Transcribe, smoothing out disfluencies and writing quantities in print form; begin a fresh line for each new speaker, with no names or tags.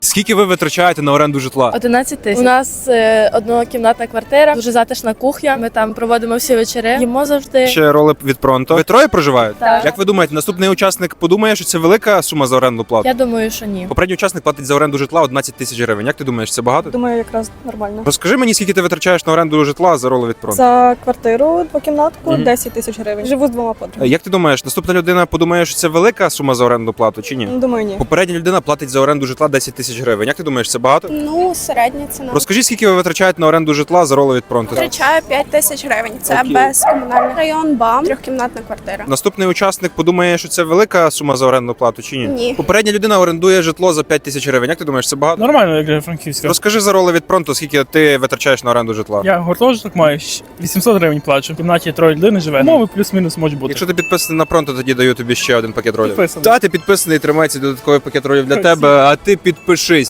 Скільки ви витрачаєте на оренду житла?
11 тисяч. У нас однокімнатна квартира, дуже затишна кухня. Ми там проводимо всі вечори, їмо завжди.
Ще роли від Пронто. Ви троє проживаєте?
Так.
Як ви думаєте, наступний учасник подумає, що це велика сума за оренду плату?
Я думаю, що ні.
Попередній учасник платить за оренду житла 11 тисяч гривень. Як ти думаєш, це багато?
Думаю, якраз нормально.
Розкажи мені, скільки ти витрачаєш на оренду житла за роли від Пронто?
За квартиру двокімнатку
Мгм.
10 тисяч гривень. Живу з двома подругами.
Як ти думаєш, наступна людина подумає, що це велика сума за оренду плату чи ні?
Думаю, ні.
Попередня людина платить за оренду житла 10 тисяч гривень. Як ти думаєш, це багато?
Ну, середня ціна.
Розкажи, скільки ви витрачаєте на оренду житла за роли від Пронто?
Витрачаю 5 тисяч гривень. Це
Окей.
без комунальний район, БАМ, трьохкімнатна квартира.
Наступний учасник подумає, що це велика сума за оренду плату чи ні?
Ні.
Попередня людина орендує житло за 5 тисяч гривень. Як ти думаєш, це багато?
Нормально, як для Франківська.
Розкажи за роли від Пронто, скільки ти витрачаєш на оренду житла.
Я гуртожиток маю 800 гривень плачу. В кімнаті 3 людей живе. Мови плюс-мінус може бути.
Якщо ти підписаний на Пронто, тоді даю тобі ще один пакет ролів.
Підписаний.
Та ти підписаний, тримається додатковий пакет ролів для
Спасибо.
тебе, а ти підпишись.